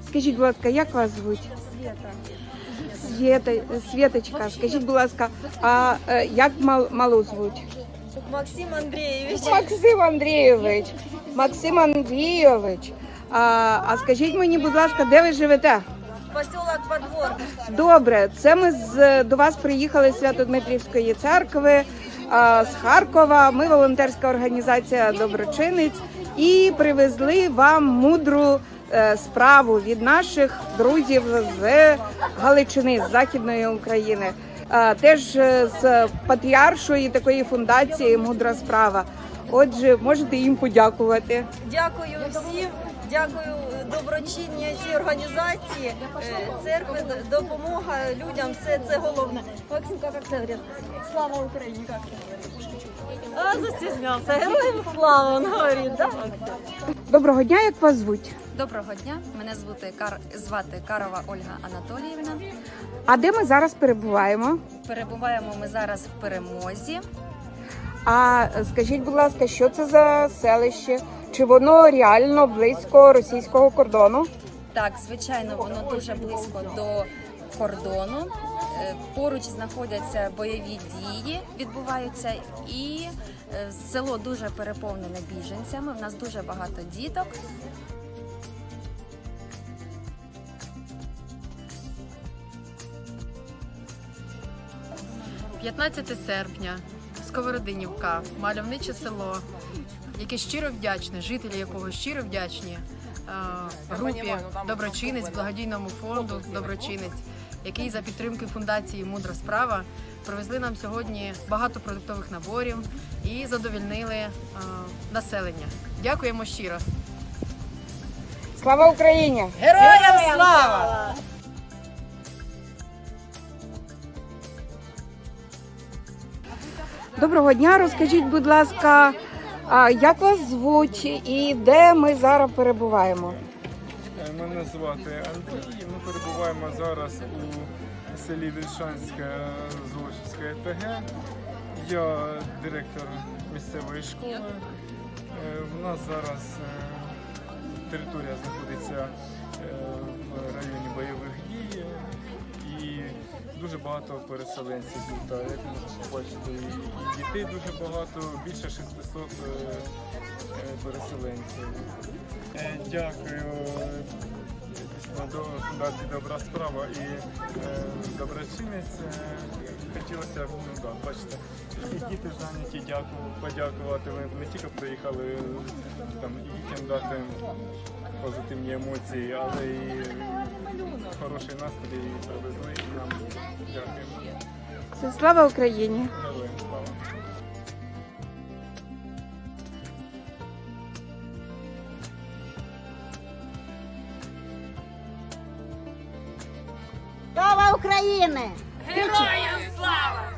Скажіть, будь ласка, як вас звуть? Світочка, скажіть, будь ласка, а як малу звуть? Максим Андрійович. Максим Андрійович. Максим Андрійович. А скажіть мені, будь ласка, де ви живете? Поселок Подвор. Добре, це ми до вас приїхали з Свято-Дмитрівської церкви, з Харкова. Ми волонтерська організація «Доброчинець» і привезли вам мудру справу від наших друзів з Галичини, з Західної України. Теж з патріаршої такої фундації «Мудра справа». Отже, можете їм подякувати. Дякую всім, дякую доброчинній цій організації, церкви, допомога людям, все це головне. Максимка, як це говорить? Слава Україні, як це говорить? Застіснявся, героям слава, він говорить, да? Доброго дня, як вас звуть? Доброго дня, мене звати Карова Ольга Анатоліївна. А де ми зараз перебуваємо? Перебуваємо ми зараз в Перемозі. А скажіть, будь ласка, що це за селище? Чи воно реально близько російського кордону? Так, звичайно, воно дуже близько до кордону. Поруч знаходяться бойові дії, відбуваються, і село дуже переповнене біженцями. У нас дуже багато діток. – 15 серпня, Сковородинівка, мальовниче село, яке щиро вдячне, жителі якого щиро вдячні групі «Доброчинець», благодійному фонду «Доброчинець», який за підтримки фундації «Мудра справа» привезли нам сьогодні багато продуктових наборів і задовольнили населення. Дякуємо щиро! Слава Україні! Героям слава! Доброго дня, розкажіть, будь ласка, як вас звуть і де ми зараз перебуваємо? Мене звати Андрій, ми перебуваємо зараз у селі Вільшанське Золочівське ТГ. Я директор місцевої школи. У нас зараз територія знаходиться в районі бойових дій і дуже багато переселенців тут. Як можна побачити, і дітей дуже багато, більше 600 переселенців. Дякую до фундації «Добра справа» і «Доброчинець». Хотілося б, бачите, і діти зайняті, подякувати. Ви не тільки приїхали там, і дітям дати позитивні емоції, але і хороший настрій привезли і нам. Дякуємо. Слава Україні! Героям слава! Слава Україні! Героям слава!